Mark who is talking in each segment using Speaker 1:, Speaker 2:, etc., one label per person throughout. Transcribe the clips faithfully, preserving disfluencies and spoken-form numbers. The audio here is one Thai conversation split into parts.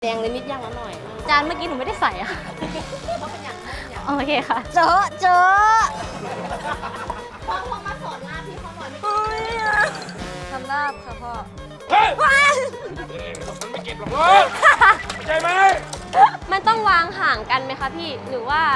Speaker 1: แดงเลยนิดย่างละหน่อย
Speaker 2: จานเมื่อกี้หนูไม่ได้ใส่อะ
Speaker 1: เขาเป็นอย่างนั้นอย่าง
Speaker 2: โอเคค่ะเจอเจอ
Speaker 1: พ่อพ่อมาสอนลาบพี่เขาหน่อยไม่
Speaker 2: โอ้ยทำลาบค่ะพ่อ
Speaker 3: เฮ้ยมันไม่เก็บหรอกเว้ยเข้าใจไหม
Speaker 2: มันต้องวางห่างกันไหมคะพี่หรือว่า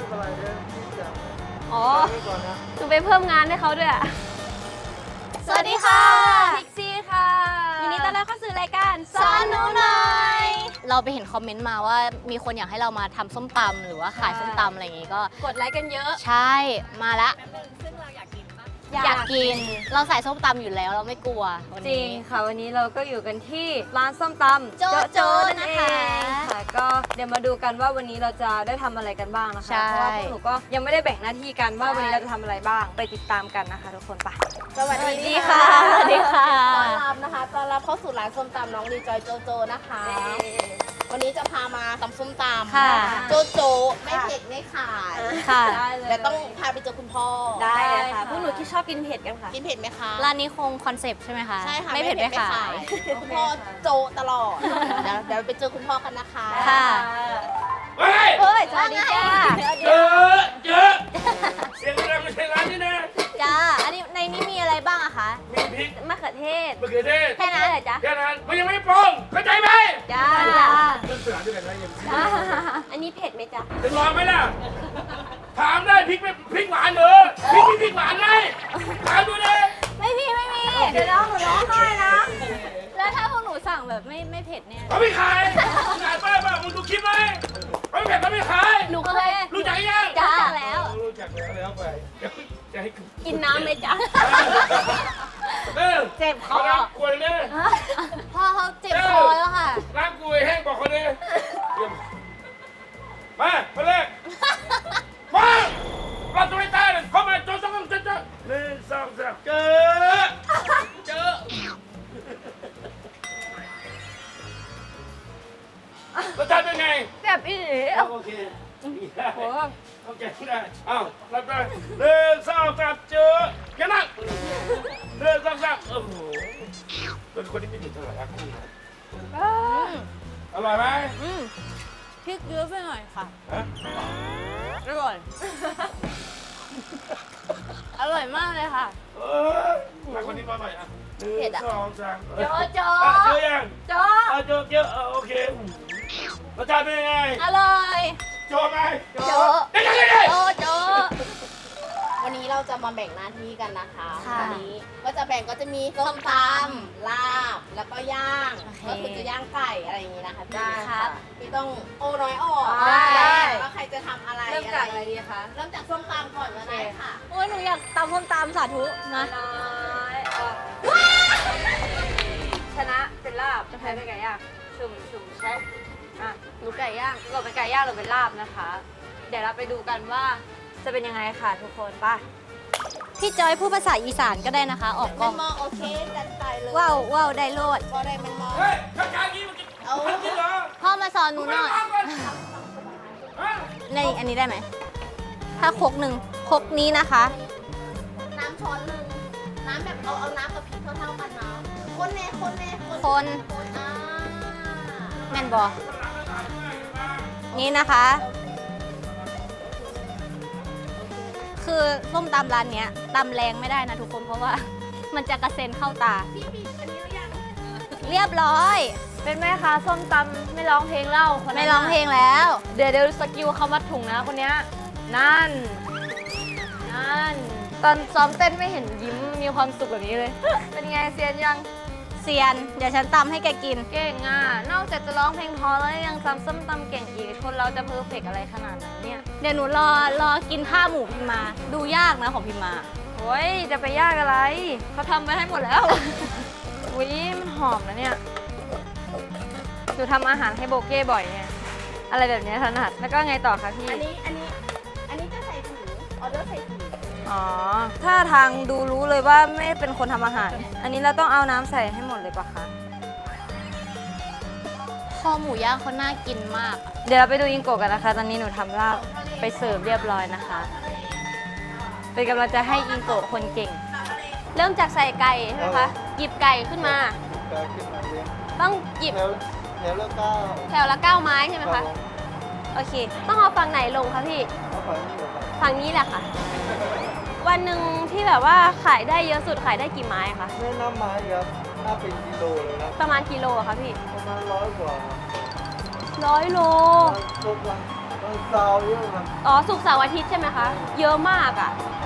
Speaker 2: อ๋อหนูไปเพิ่มงานให้เขาด้วยอะสวัสดีค่ะพิกซี่ค่ะยินดีต้อนรับเข้าสู่รายการสอนหนูหน่อยเราไปเห็นคอมเมนต์มาว่ามีคนอยากให้เรามาทำส้มตำหรือว่าขายส้มตำอะไรอย่างงี้ก็กดไลค์กันเยอะใช่มาละซึ่งเราอยากกินอยากกินเราใส่ส้มตำอยู่แล้วเราไม่กลัววันนี้
Speaker 4: จริงค่ะวันนี้เราก็อยู่กันที่ร้านส้มตำ
Speaker 2: โจ๊ะโจ๊ะนะคะ
Speaker 4: ค่ะก็เดี๋ยวมาดูกันว่าวันนี้เราจะได้ทำอะไรกันบ้างนะคะ
Speaker 2: ใช่
Speaker 4: เพราะว่าพวกหนูก็ยังไม่ได้แบ่งหน้าที่กันว่าวันนี้เราจะทำอะไรบ้างไปติดตามกันนะคะทุกคนไป
Speaker 1: สวัส
Speaker 2: สวัส
Speaker 1: ดี
Speaker 2: ดีค่ะสวัสดีค่ะ
Speaker 1: ต้อนรับนะคะต้อนรับเข้าสู่ร้านส้มตำน้องรีจอยโจโจนะคะ วันนี้จะพามาตำส้มตำ
Speaker 2: ค่ะ
Speaker 1: โจโจไม่เผ็ดไม่ขาย
Speaker 2: ค่ะ
Speaker 4: ได้เลย
Speaker 1: แต่ต้องพาไปเจอคุณพ่อ
Speaker 4: ได้เลยค่ะ
Speaker 2: พวกหนูที่ชอบกินเผ็ดกันค่ะ
Speaker 1: กินเผ็ดไหมคะ
Speaker 2: ร้านนี้คงคอนเซปต์ใช่ไหมคะ
Speaker 1: ใช่ค่ะ
Speaker 2: ไม่เผ็ดไม่ขาย
Speaker 1: คุณพ่อโจตลอดเดี๋ยวเดี๋ยวไปเจอคุณพ่อกันนะคะ
Speaker 2: ค่ะ
Speaker 3: เฮ้ย
Speaker 2: เฮ้ยสวัสดีจ้า
Speaker 3: เยอะเยอะเสียงดังไม่ใช่ร้านนี้นะ
Speaker 2: จ้า อันนี้ในนี้มีอะไรบ้างอะคะ
Speaker 3: มีพริก
Speaker 2: มะเขือเทศ
Speaker 3: มะเขือเทศ
Speaker 2: แค่นั้นเลยจ้ะ
Speaker 3: แค่นั้นมันยังไม่ปรุงเข้าใจไหม
Speaker 2: จ้า
Speaker 3: เรื่องเสือด้วยกันนะยัง
Speaker 2: จ้า อันนี้เผ็ดไหมจ๊ะ
Speaker 3: จะลองไหมล่ะถามได้พริกไม่พริกหวานเหรอพริกมีพริกหวานไหมถามดูเลย
Speaker 2: ไม่มีไม่มี
Speaker 4: เดี๋ยวน้องหนูร้องไห้นะ
Speaker 2: แล้วถ้าพวกหนูสั่งแบบไม่ไม่เผ็ดเนี่ย
Speaker 3: เขาไม่ขายขายป้าป้ามึงดูคลิปไหมเขาไม่เผ็ดเขาไม่ขาย
Speaker 2: หนูเคย
Speaker 3: รู้จักยัง
Speaker 2: จ้าแล้ว
Speaker 3: รู้จักแล้วแล้วไปเดี๋ยวจะให้
Speaker 2: กินน้ำไหมจ๊ะ
Speaker 3: เออ
Speaker 2: เจ็บคอ
Speaker 3: น้ำกล้วยเนี่ย
Speaker 2: พ่อเขาเจ็บคอแล้วค่ะ
Speaker 3: น้ำกล้วยแห้งบอกเขาเลยมามาเลยมาเราตัวไม่ตายเลยเข้ามาโจ๊ะโจ๊ะโจ๊ะโจ๊ะหนึ่งสองสามเจอเจอรสชาติเป็นไง
Speaker 2: แบบอี
Speaker 3: โอเคได้โอเคได้อ้าวรับได้หนึ่งสองสามเจอแค่นั้นหนึ่งสองสามโอ้โหเป็นคนที่ไม่ถึงเท่าไหร่รักคู่นะอร่อยไหม
Speaker 2: อืมพริกเยอะไปหน่อยค่ะ
Speaker 3: ฮะ
Speaker 2: อร่อย อร่อยมากเลยค่ะ
Speaker 3: เออรักคนนี้มาหน่อยอ่ะหนึ่งสองสาม
Speaker 2: โจ๊ะโจ๊ะ
Speaker 3: อ่ะเจอยัง
Speaker 2: โจ๊ะ
Speaker 3: อ่ะเจอเจอเออโอเครสชาติเป็นยังไง
Speaker 2: อร่อย
Speaker 3: โจไหม
Speaker 2: โจ๊ะ
Speaker 3: ได้ยังไงดิ
Speaker 2: โจ๊ะโจ๊ะ
Speaker 1: วันนี้เราจะมาแบ่งหน้าที่กันนะคะ
Speaker 2: ค่ะ
Speaker 1: วันนี้ก็จะแบ่งก็จะมีส้มตำลาบแล้วก็ย่าง
Speaker 2: โอเค
Speaker 1: ก็คือจะย่างไก่อะไรอย่างนี้นะคะพี่
Speaker 2: ได้ครับ
Speaker 1: พี่ต้องโอน้อยออก
Speaker 4: ได้
Speaker 1: ว่าใครจะทำอะไร
Speaker 4: เริ่มจากอะไรดีคะ
Speaker 1: เริ่มจากส้มตำก่อนก็ได้ค่ะ
Speaker 2: โอ้ยหนูอยากตำส้มตำสาธุนะ
Speaker 4: น้อยออกชนะเป็นลาบจะแพ้เป็นไก่ย่างชุ่มชุ่มใช่อ่ะ
Speaker 2: หนูไก่ย่าง
Speaker 4: เราเป็นไก่ย่างหรือเป็นลาบนะคะ เดี๋ยวเราไปดูกันว่าจะเป็นยังไงค่ะทุกคนไป่ะ
Speaker 2: พี่จอยพูดภาษาอีสานก็ได้นะคะ ออกก
Speaker 1: เป็
Speaker 2: ล้อน ง
Speaker 1: มอโอเคจัดไปเลย
Speaker 2: ว้าวว้าวได้โลด
Speaker 1: ก็ได้เป็นมอ
Speaker 3: เฮ้ยข้างๆนี้มันจะ
Speaker 1: เอา
Speaker 3: ทำจริงเหรอ
Speaker 2: พ่อมาสอนหนูหน่อย
Speaker 3: ฮะ
Speaker 2: ในอันนี้ได้ไหม ถ้าครกหนึ่งครกนี้นะคะ
Speaker 1: น้ำช้อนหนึ่งน้ำแบบเอาเอาน้ำกับพริกเท่าๆกันเนาะคนแน่คนแน่
Speaker 2: คน
Speaker 1: คนอ่า
Speaker 2: แม่นบอนี่นะคะ คือส้มตำร้านเนี้ยตำแรงไม่ได้นะทุกคนเพราะว่า มันจะกระเซ็นเข้าตา
Speaker 1: พี่พี่อันนี้หรือยัง
Speaker 2: เรียบร้อย
Speaker 4: เป็นแม่ค้าส้มตำไม่ร้องเพลงเล่าคนนั้น
Speaker 2: ไม่ร้องเพลงแล้ว
Speaker 4: เดี๋ยวเดี๋ยวสกิลเขามัดถุงนะคนเนี้ยนั่น นั่น ตอนซ้อมเต้นไม่เห็นยิ้มมีความสุขแบบนี้เลย เป็นไงเซียนยัง
Speaker 2: เซียน เดี๋ยวฉันตำให้แกกิน
Speaker 4: เก่งอ่ะ นอกจากจะร้องเพลงเพอแล้วยังตำส้มตำเก่งอีก คนเราจะเพอร์เฟกต์อะไรขนาดนั้นเนี่ย
Speaker 2: เดี๋ยวหนูรอรอกินข้าวหมูพิมมา ดูยากนะของพิมมา
Speaker 4: โอ้ยจะไปยากอะไร เขาทำไปให้หมดแล้ว อุ้ยมันหอมนะเนี่ยหนูทำอาหารให้โบเก้บ่อยเนี่ย อะไรแบบเนี้ยถนัด แล้วก็ไงต่อคะพี่
Speaker 1: อันนี้อันนี้อันนี้จะใส่ถุงออเดอร์ใส่ถุง
Speaker 4: อ๋อ ถ้าทางดูรู้เลยว่าไม่เป็นคนทำอาหาร อันนี้เราต้องเอาน้ำใส่ให้หมดเลยปะคะ
Speaker 2: ข้อหมูย่างเขาน่ากินมาก
Speaker 4: เดี๋ยวเราไปดูอิงโกะกันนะคะ ตอนนี้หนูทำลาบไปเสิร์ฟเรียบร้อยนะคะ เป็นกำลังใจให้อิงโกะคนเก่ง
Speaker 2: เริ่มจากใส่ไก่ใช่ไหมคะ หยิบไก่ขึ้นมา ต้องหยิบ
Speaker 3: แล้ว
Speaker 5: แถวละเก้า
Speaker 2: แถวละเก้าไม้ใช่ไหมคะ โอเค ต้องเอาฝั่งไหนลงคะพี่
Speaker 5: เอาฝั่งนี้เหรอครับ
Speaker 2: ฝั่งนี้แหละค่ะ วันหนึ่งที่แบบว่าขายได้เยอะสุดขายได้กี่ไม้คะ
Speaker 5: แม่น้ำไม้ครับถ้าเป็นกิโลเลยนะ
Speaker 2: ประมาณกิโลอะคะพี่
Speaker 5: ประมาณร้อยกว่าครับ
Speaker 2: ร้อยโล
Speaker 5: ทุกวันวันเสาร์เยอะครับ
Speaker 2: อ๋อศุกร์เสาร์อาทิตย์ใช่ไหมคะ เยอะมากอะ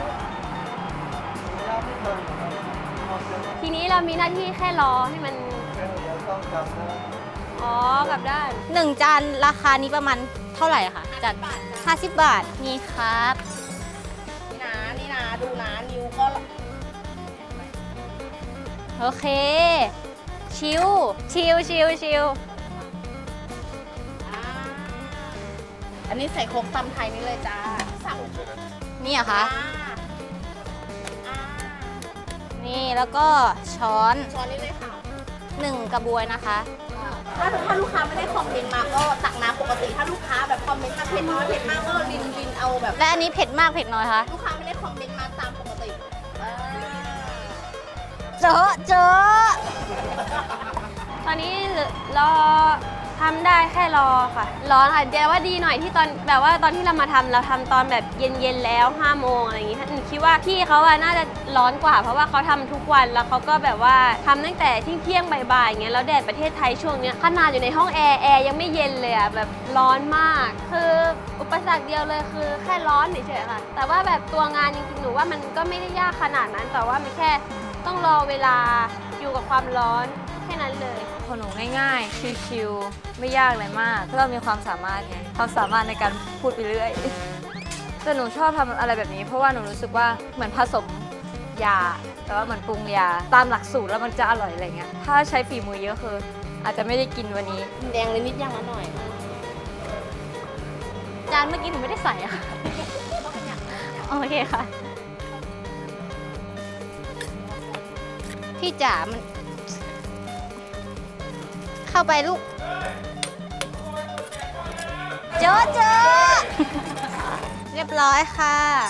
Speaker 5: รับไม่ทันครับเอาเดี๋ยว
Speaker 2: ทีนี้เรามีหน้าที่แค่รอให้มัน
Speaker 5: เดี๋ยวต้องกลับนะ
Speaker 2: อ๋อกลับด้านหนึ่งจานราคานี้ประมาณเท่าไหร่อะคะจานห้าสิบบาท นี่ครับ
Speaker 1: นี่นะนี่นะดูนะนิ้วก็
Speaker 2: โอเค ชิว ชิวชิวชิว
Speaker 1: อ่าอันนี้ใส่โครกตำไทยนี่เลยจ้าสั่ง
Speaker 2: นี่เหรอะคะ
Speaker 1: อ่าอ่า
Speaker 2: นี่แล้วก็ช้อน
Speaker 1: ช้อนนี้เลยค่ะ
Speaker 2: หนึ่งกระบวยนะคะ
Speaker 1: ถ้าถ้าลูกค้าไม่ได้คอมเมนต์มาก็ตักน้ำปกติ ถ้าลูกค้าแบบคอมเมนต์มาเผ็ดน้อยเผ็ดมากก็ลินลินเอาแบบ
Speaker 2: และอันนี้เผ็ดมากเผ็ดน้อยคะ
Speaker 1: ลูกค้าไม่ได้คอมเมนต์มาตามปกติอ่า
Speaker 2: เจอเจอตอนนี้รอทำได้แค่รอค่ะ ร้อนค่ะเดี๋ยวว่าดีหน่อยที่ตอนแบบว่าตอนที่เรามาทำเราทำตอนแบบเย็นๆแล้วห้าโมงอะไรอย่างงี้หนูคิดว่าพี่เขาอะน่าจะร้อนกว่า เพราะว่าเขาทำทุกวันแล้วเขาก็แบบว่าทำตั้งแต่เที่ยงๆบ่ายๆอย่างเงี้ยแล้วแดดประเทศไทยช่วงเนี้ยขนาดอยู่ในห้องแอร์แอร์ยังไม่เย็นเลยอะแบบร้อนมาก คืออุปสรรคเดียวเลยคือแค่ร้อนเฉยๆค่ะ แต่ว่าแบบตัวงานจริงๆหนูว่ามันก็ไม่ได้ยากขนาดนั้นแต่ว่ามันแค่ต้องรอเวลาอยู่กับความร้อนแค่นั้นเลย
Speaker 4: ของหนูง่ายๆ ชิวๆ ไม่ยากเลยมากเพราะเรามีความสามารถไง ความสามารถในการพูดไปเรื่อย แต่หนูชอบทำอะไรแบบนี้ เพราะว่าหนูรู้สึกว่าเหมือนผสมยา แต่ว่าเหมือนปรุงยา ตามหลักสูตรแล้วมันจะอร่อยอะไรเงี้ย ถ้าใช้ฝีมือเยอะคือ อาจจะไม่ได้กินวันนี้
Speaker 1: แดงเลยนิดยังละหน่อย
Speaker 2: จานเมื่อกี้หนูไม่ได้ใส่อะค่ะ โอเคค่ะ พี่จ๋ามัน เข้าไปลูก เจอเจอ เรียบร้อยค่ะ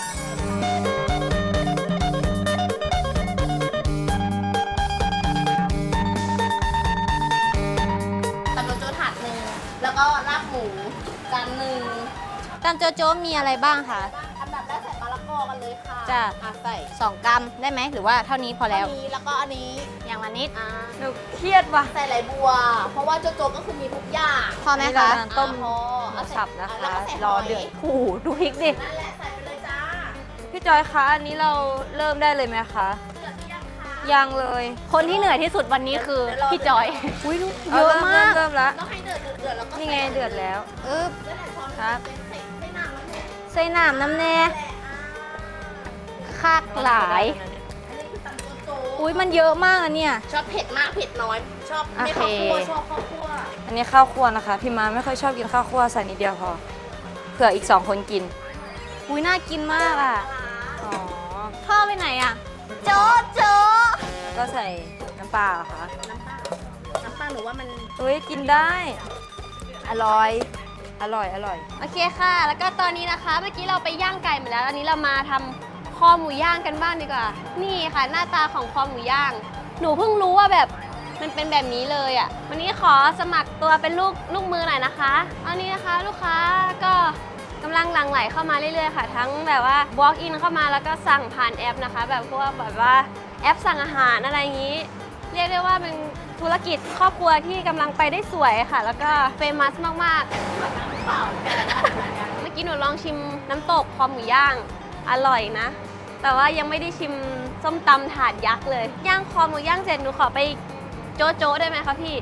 Speaker 1: ตำโจโจถาดหนึ่งแล้วก็ลาบหมูจานหนึ่ง
Speaker 2: ตามโจโจมีอะไรบ้างคะ
Speaker 1: อันดับแรกใส่มะละกอกันเลยค่ะ
Speaker 2: จ้ะ
Speaker 1: อ่ะใส่
Speaker 2: สองกรัมได้ไหมหรือว่าเท่านี้พอแล้ว
Speaker 1: อันนี้แล้วก็อันนี้
Speaker 2: อย่างละนิด
Speaker 1: อ่า
Speaker 4: หนูเครียดว่ะ
Speaker 1: ใส่ไหลบัว เพราะว่าโจโจก็คือมีทุกอย่าง
Speaker 2: พอไหม
Speaker 4: นี่
Speaker 2: คะ
Speaker 4: เรากำลังต้ม
Speaker 1: อ่ะพอเอาใส่
Speaker 4: สับนะ
Speaker 1: อ่
Speaker 4: คะ
Speaker 1: แล้วก็ใส่
Speaker 4: รอ
Speaker 1: หย
Speaker 4: เดือดโอ้โหดูพริกดิ
Speaker 1: นั่นแหละใส่ไปเลยจ้า
Speaker 4: พี่จอยคะ อันนี้เราเริ่มได้เลยไหมคะ
Speaker 1: เดือดหรือยังคะ
Speaker 4: ยังเลย
Speaker 2: คนที่เหนื่อยที่สุดวันนี้คือพี่จอย
Speaker 4: อุ้ย
Speaker 2: เยอะมาก
Speaker 4: เริ่มแล้ว
Speaker 1: ต้องให้เดือดเดือดเดือดแล้วก็
Speaker 4: นี่ไงเดือดแล้ว
Speaker 2: เออ
Speaker 1: นั่นแหละช้อน
Speaker 4: ครับ
Speaker 1: ใส่ใส่น้ำมันเลย
Speaker 2: ใส่น้ำน้ำแน่
Speaker 1: แหละอ่า
Speaker 2: คากหลาย
Speaker 1: อันนี้คือตำโจโจ
Speaker 2: อุ้ยมันเยอะมากอะเนี่ย
Speaker 1: ชอบเผ็ดมากเผ็ดน้อย ชอบไม่
Speaker 2: โอ
Speaker 1: ข้าว
Speaker 2: เค
Speaker 1: คั่วชอบข้าวคั่ว
Speaker 4: อันนี้ข้าวคั่วนะคะ พี่มาไม่ค่อยชอบกินข้าวคั่วใส่นิดเดียวพอ เผื่ออีกสองคนกิน
Speaker 2: อุ้ยน่ากินมากอะ
Speaker 4: อ๋อ
Speaker 2: พ่อไปไหนอะโจโจ
Speaker 4: แล้วก็ใส่น้ำปลาเหรอคะ
Speaker 1: น้ำปลาน้ำปลาหนูว่ามัน
Speaker 4: เฮ้ย กินได้ อร่อย อร่อย อร่อย
Speaker 2: โอเคค่ะ แล้วก็ตอนนี้นะคะ เมื่อกี้เราไปย่างไก่มาแล้ว อันนี้เรามาทำคอหมูย่างกันบ้างดีกว่า นี่ค่ะ หน้าตาของคอหมูย่าง หนูเพิ่งรู้ว่าแบบมันเป็นแบบนี้เลยอะ่ะ วันนี้ขอสมัครตัวเป็นลูกลูกมือหน่อยนะคะตอนนี้นะคะลูกค้าก็กำลังหลั่งไหลเข้ามาเรื่อยๆค่ะ ทั้งแบบว่า walk in เข้ามาแล้วก็สั่งผ่านแอปนะคะ แบบพวกแบบว่าแอปสั่งอาหารอะไรอย่างนี้ เรียกได้ว่าเป็นธุรกิจครอบครัวที่กำลังไปได้สวยค่ะ แล้วก็เฟมัสมากๆ เมื่อกี้หนูลองชิมน้ำตกคอหมูย่างอร่อยนะ แต่ว่ายังไม่ได้ชิมส้มตำถาดยักษ์เลย ย่างคอหมูย่างเสร็จหนูขอไปโจ๊ะโจ๊ะได้ไหมคะพี่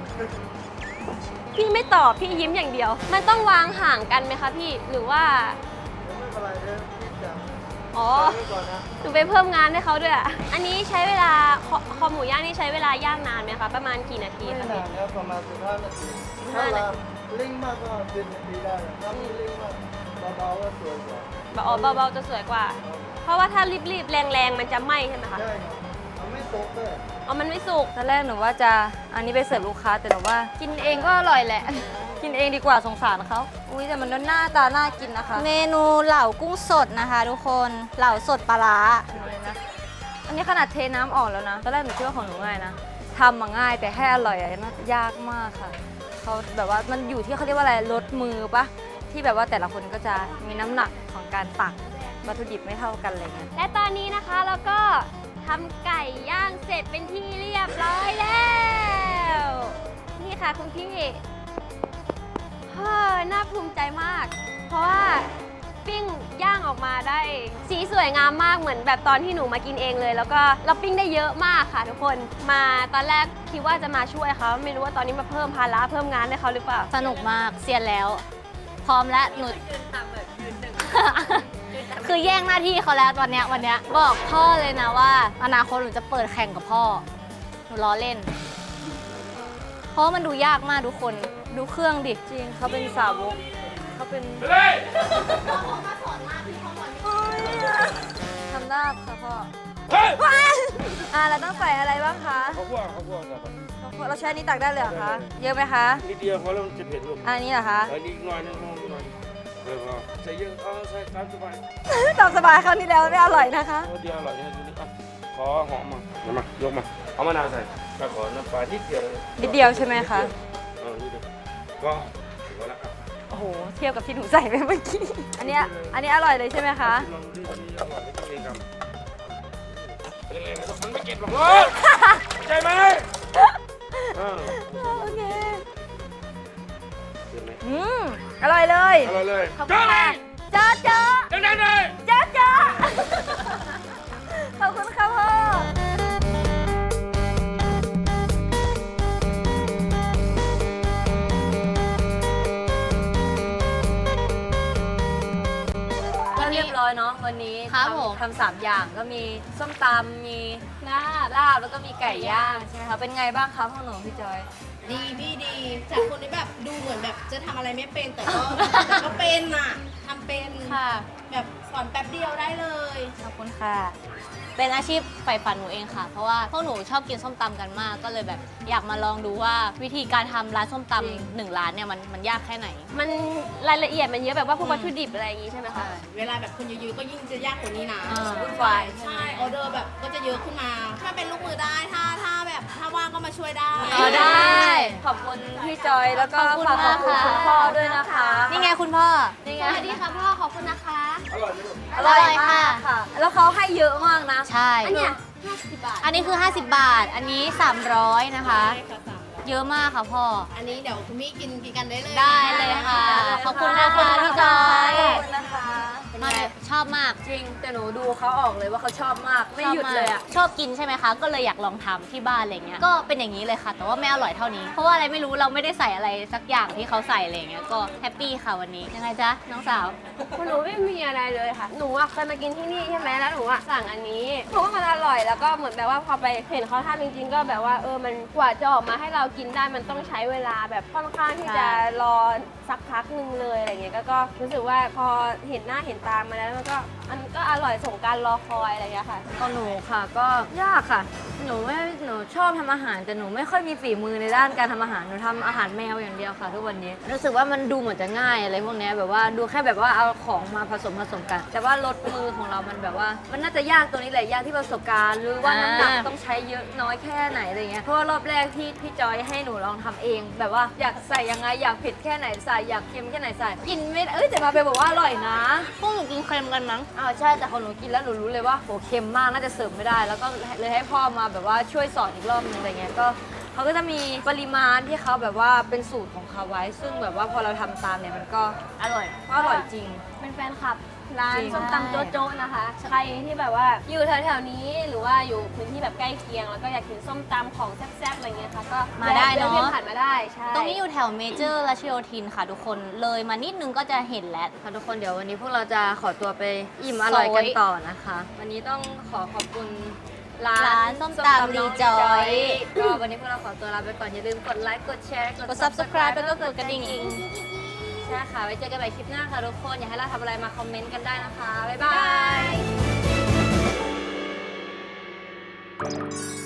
Speaker 2: พี่ไม่ตอบพี่ยิ้มอย่างเดียว มันต้องวางห่างกันไหมคะพี่หรือว่า
Speaker 5: ไม่เป็นไรเดี๋ยวพี่จะ
Speaker 2: อ๋อ
Speaker 5: ไว้ก่อนนะ
Speaker 2: หนูไปเพิ่มงานให้เขาด้วยอะอันนี้ใช้เวลาคอคอหมูย่างนี่ใช้เวลาย่างนานไหมคะประมาณกี่นาที
Speaker 5: ไม่
Speaker 2: คะ
Speaker 5: นา
Speaker 2: พี่
Speaker 5: นครับประมาณสิบห้านาที
Speaker 2: สิบ
Speaker 5: ถ้า
Speaker 2: ห้านา
Speaker 5: เรา
Speaker 2: ที
Speaker 5: เร่งมากก็สิบนาทีได้ถ้าไม่เร่งมากเบาๆก็สวยกว่า
Speaker 2: แบบอ๋อเบาๆจะสวยกว่า เพราะว่าถ้ารีบๆแรงๆมันจะไหม้ใช่ไหมคะ
Speaker 5: ใช่ครับมันไม่ตกเลย
Speaker 2: อ๋อมันไม่สุก
Speaker 4: ตอนแรกหนูว่าจะอันนี้ไปเสิร์ฟลูกค้าแต่หนูว่า กินเองก็อร่อยแหละ กินเองดีกว่าสงสารเขาอุ้ยแต่มันหน้าตาน่ากินนะคะ
Speaker 2: เมนูเหล่ากุ้งสดนะคะทุกคนเหล่าสดปลาร้า
Speaker 4: นะอันนี้ขนาดเทน้ำออกแล้วนะตอนแรกหนูคิดว่าของหนูง่ายนะทำมาง่ายแต่ให้อร่อยอะน่ายากมากค่ะเขาแบบว่ามันอยู่ที่เขาเรียกว่าอะไรลดมือปะที่แบบว่าแต่ละคนก็จะมีน้ำหนักของการตักวัตถุดิบไม่เท่ากันอะไรเงี้ย
Speaker 2: และตอนนี้นะคะเราก็ทำไก่ย่างเสร็จเป็นที่เรียบร้อยแล้วนี่ค่ะคุณพี่เฮ้อน่าภูมิใจมาก เพราะว่าปิ้งย่างออกมาได้สีสวยงามมากเหมือนแบบตอนที่หนูมากินเองเลย แล้วก็เราปิ้งได้เยอะมากค่ะทุกคนมาตอนแรกคิดว่าจะมาช่วยเขาไม่รู้ว่าตอนนี้มาเพิ่มภาระเพิ่มงานให้เขาหรือเปล่า
Speaker 1: สนุกมากเซียนแล้ว พร้อมแล้วหนู คือแย่งหน้าที่เขาแล้วตอนเนี้ยวันเนี้ยบอกพ่อเลยนะว่าอนาคตหนูจะเปิดแข่งกับพ่อหนูล้อเล่น เพราะว่ามันดูยากมากทุกคนดูเครื่องดิ
Speaker 4: จริงเขาเป็นสาวกเขาเป็น
Speaker 3: ไปเลย
Speaker 4: ทำได้ค่ะพ่อ
Speaker 3: เฮ้ย
Speaker 4: อ่าเราต้องใส่อะไรบ้างคะ
Speaker 3: เขาพวกเขาพวกครับ
Speaker 4: เราใช้อันนี้ตักได้เลยเหรอคะเยอะไหมคะ
Speaker 3: นิดเดียวเพราะเราจะเผ็ดลูก
Speaker 4: อันนี้เหรอคะ
Speaker 3: อันนี้หน่อยนึงนิดหน่อยเออพอใส่เยอะเอาใส่ตามสบาย
Speaker 4: ตามสบายคราวที่แล้วไม่อร่อยนะคะ
Speaker 3: เดียวอร่อยนะทีนี้อ่ะขอหอมมาเดี๋ยวมายกมาเอามะนาวใส่ก็ขอน้ำปลานิดเดียวเลย
Speaker 4: นิดเดียวใช่ไหมคะ
Speaker 3: เออนิดเดียวก็ถือว่าละ
Speaker 4: โอ้โหเทียบกับที่หนูใส่ไปเมื่อกี้อันเนี้ยอันนี้อร่อยเลยใช่ไหมคะ
Speaker 3: ลองดูดีอร่อยไม่ต้องเองครับเป็นไงมันไม่เก็บหรอกใช่ไหมเออ
Speaker 4: โอเค
Speaker 3: เห็นไหม
Speaker 4: อืมอร่อยเลย
Speaker 3: อร่อยเลย
Speaker 4: ขอบคุณค่ะเจ้าเจ้า
Speaker 3: ดังๆเลย
Speaker 4: เจ้าเจ้าขอบคุณค่ะพ่อ ก็เรียบร้อยเนาะวันนี้
Speaker 1: ครับผม
Speaker 4: ทำทำสามอย่างก็มีส้มตำมีลาบลาบแล้วก็มีไก่ย่างใช่ไหมคะเป็นไงบ้างคะพ่อหนูพี่จอย
Speaker 1: ดีพี่ดีจากคนที่แบบดูเหมือนแบบจะทำอะไรไม่เป็นแต่ก็แต่ก็เป็นน่ะทำเป็น
Speaker 4: ค่ะ
Speaker 1: แบบสอนแป๊บเดียวได้เลย
Speaker 4: ขอบคุณค่ะ
Speaker 1: เป็นอาชีพใฝ่ฝันหนูเองค่ะ เพราะว่าพวกหนูชอบกินส้มตำกันมาก ก็เลยแบบอยากมาลองดูว่าวิธีการทำร้านส้มต
Speaker 4: จริง
Speaker 1: ำหนึ่งร้านเนี่ยมันมันยากแค่ไหน
Speaker 2: มันรายละเอียดมันเยอะแบบว่าพวกวัตถุดิบอะไรอย่างงี้ใช่ไหมคะ
Speaker 1: เวลาแบบคนเยอะๆก็ยิ่งจะยากกว่านี้นะ
Speaker 4: อ่า
Speaker 1: วุ่นวายใช่ออเดอร์แบบก็จะเยอะขึ้นมา ถ้าเป็นลูกมือได้ถ้าถ้าแบบถ้าว่างก็มาช่วยได้
Speaker 4: เออได้ ขอบคุณพี่จอยแล้วก็
Speaker 1: ขอบคุณ
Speaker 4: ฝากขอบคุณ
Speaker 1: มากค่ะ
Speaker 4: คุณพ่อด้วยนะคะ
Speaker 1: นี่ไงคุณพ่อ
Speaker 4: นี่
Speaker 2: ส
Speaker 4: ไง
Speaker 2: วัสดีค่ะพ่อขอบคุณนะคะ
Speaker 3: อร่อยไหมลูก
Speaker 4: อร่อย
Speaker 1: อร่อยค่ะ
Speaker 4: มากค่ะ แล้วเขาให้เยอะมากนะ
Speaker 1: ใช่
Speaker 2: อันเนี้ยห้าสิบบาท
Speaker 1: อันนี้คือ ห้าสิบบาท อันนี้ สามร้อย นะคะ เยอะมากค่ะพ่อ
Speaker 6: อันนี้เดี๋ยวคุณมี่กินกินกันได้เลย
Speaker 1: ได้เลยค่ะ ขอบคุณนะคะพี่จอย
Speaker 4: ขอบคุณนะคะ
Speaker 1: มาชอบมาก
Speaker 4: จริง แต่หนูดูเขาออกเลยว่าเขาชอบมาก ไม่หยุดเลยอ่ะ
Speaker 1: ชอบกินใช่ไหมคะ ก็เลยอยากลองทำที่บ้านอะไรเงี้ย ก็เป็นอย่างนี้เลยค่ะ แต่ว่าไม่อร่อยเท่านี้ เพราะว่าอะไรไม่รู้เราไม่ได้ใส่อะไรสักอย่างที่เขาใส่อะไรเงี้ย ก็แฮปปี้ค่ะวันนี้ ยังไงจ๊ะน้องสาว
Speaker 2: หนูไม่มีอะไรเลยค่ะ หนูอะเคยมากินที่นี่ใช่ไหมแล้วหนูอะสั่งอันนี้เพราะว่ามันอร่อยแล้วก็เหมือนแบบว่าพอไปเห็นเขาทำจริงๆ ก็แบบว่าเออมันกว่าจะออกมาให้เรากินได้มันต้องใช้เวลาแบบค่อนข้างที่จะรอสักพักหนึ่งเลยอะไรเงี้ยก็ก็รู้สึกว่าพอเห็นหน้าเห็นตามาแล้วมันก็มันก็อร่อยสมการรอคอยอะไรอย่างเงี้ยค่ะ
Speaker 4: ของหนูค่ะก็ยากค่ะ หนูไม่หนูชอบทำอาหารแต่หนูไม่ค่อยมีฝีมือในด้านการทำอาหารหนูทำอาหารแมวอย่างเดียวค่ะทุกวันนี้รู้สึกว่ามันดูเหมือนจะง่ายอะไรพวกเนี้ยแบบว่าดูแค่แบบว่าเอาของมาผสมผสมกัน แต่ว่าลดมือของเรามันแบบว่า มันน่าจะยากตัวนี้แหละยากที่ประสบการณ์หรือว่าน้ำหนัก
Speaker 1: อ่า
Speaker 4: ต้องใช้เยอะน้อยแค่ไหนอะไรเงี้ยเพราะว่ารอบแรกที่พี่จอยให้หนูลองทำเอง แบบว่าอยากใส่ยังไงอยากเผ็ดแค่ไหนใส่อยากเค็มแค่ไหนใส่กินไม่ได้เอ้ยแต่มาเป็นบอกว่าอร่อยนะ
Speaker 1: พวกหนูกินเค็มกันมั้ง
Speaker 4: อ้าวใช่แต่ของหนูกินแล้วหนูรู้เลยว่าโหเค็มมากน่าจะเสิร์ฟไม่ได้ แล้วก็เลยให้พ่อมาแบบว่าช่วยสอนอีกรอบนึงอะไรเงี้ยก็เขาก็จะมีปริมาณที่เขาแบบว่าเป็นสูตรของเขาไว้ ซึ่งแบบว่าพอเราทำตามเนี่ยมันก็อร่อยก็อร่อยจริง
Speaker 2: เป็นแฟนคลับร้าน
Speaker 4: จริง
Speaker 2: ส้มตำโจ๊ะโจ๊ะนะคะ ใครที่แบบว่าอยู่แถวๆนี้หรือว่าอยู่พื้นที่แบบใกล้เคียง แล้วก็อยากกินส้มตำของแซ่บๆอะไรเงี้ยค่ะก็
Speaker 1: มาได้เนอะ
Speaker 2: แวะผ่านมาได้ใช่
Speaker 1: ตรงนี้อยู่แถวเมเจอร์รัชโยธินค่ะทุกคน เลยมานิดนึงก็จะเห็นแล้ว
Speaker 4: ค่ะทุกคนเดี๋ยววันนี้พวกเราจะขอตัวไปอิ่มอร่อยกันต่อนะคะ วันนี้ต้องขอขอบคุณร้าน
Speaker 1: ร้านส้มตำรีจอย
Speaker 4: ก็วันนี้พวกเราขอตัวลาไปก่อนอย่าลืมกดไลค์กดแชร์
Speaker 1: กด subscribe แล้วก็กดกระดิ่ง
Speaker 4: ใช่ค่ะไว้เจอกันใหม่คลิปหน้าค่ะทุกคนอยากให้เราทำอะไรมาคอมเมนต์กันได้นะคะบ๊ายบาย